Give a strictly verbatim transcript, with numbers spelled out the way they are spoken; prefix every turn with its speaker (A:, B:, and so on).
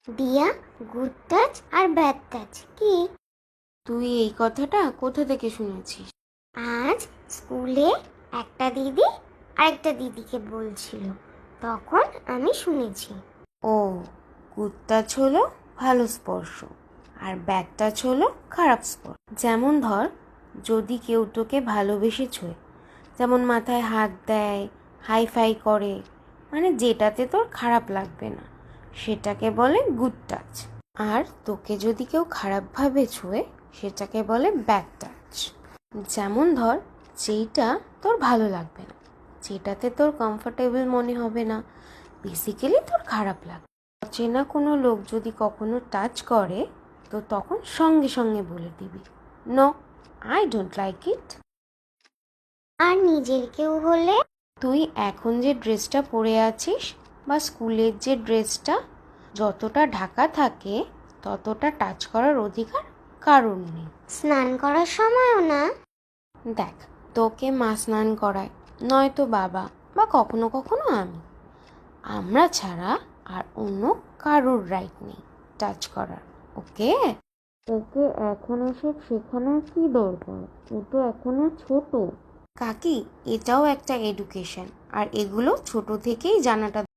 A: দিয়া, good touch আর bad touch কি?
B: তুই এই কথাটা কোথা থেকে শুনেছিস?
A: আজ স্কুলে একটা দিদি আরেকটা দিদিকে বলছিল, তখন আমি শুনেছি।
B: ও, গুড টাচ হলো ভালো স্পর্শ আর ব্যাড টাচ হলো খারাপ স্পর্শ। যেমন ধর, যদি কেউ তোকে ভালোবেসে ছোঁয়, যেমন মাথায় হাত দেয়, হাই ফাই করে, মানে যেটাতে তোর খারাপ লাগবে না, সেটাকে বলে গুড টাচ। আর তোকে যদি কেউ খারাপভাবে ছোঁয়, সেটাকে বলে ব্যাড টাচ। যেমন ধর, যেইটা তোর ভালো লাগবে না, যেটাতে তোর কমফোর্টেবল মনে হবে না, বেসিক্যালি তোর খারাপ লাগবে। অচেনা কোনো লোক যদি কখনো টাচ করে, তো তখন সঙ্গে সঙ্গে বলে দিবি, no, I don't like it.
A: আর নিজের কেউ হলে?
B: তুই এখন যে ড্রেসটা পরে আছিস বা স্কুলের যে ড্রেসটা, যতটা ঢাকা থাকে ততটা টাচ করার অধিকার কারণ নেই।
A: স্নান করার সময়ও না?
B: দেখ, তোকে মা স্নান করায়, নয়তো বাবা, বা কখনো কখনো আমি। আমরা ছাড়া আর অন্য কারোর রাইট নেই টাচ করার, ওকে? ওকে এখন এসব শেখানোর কি দরকার? ও তো এখনো ছোট। কাকি, এটাও একটা এডুকেশন, আর এগুলো ছোট থেকেই জানাটা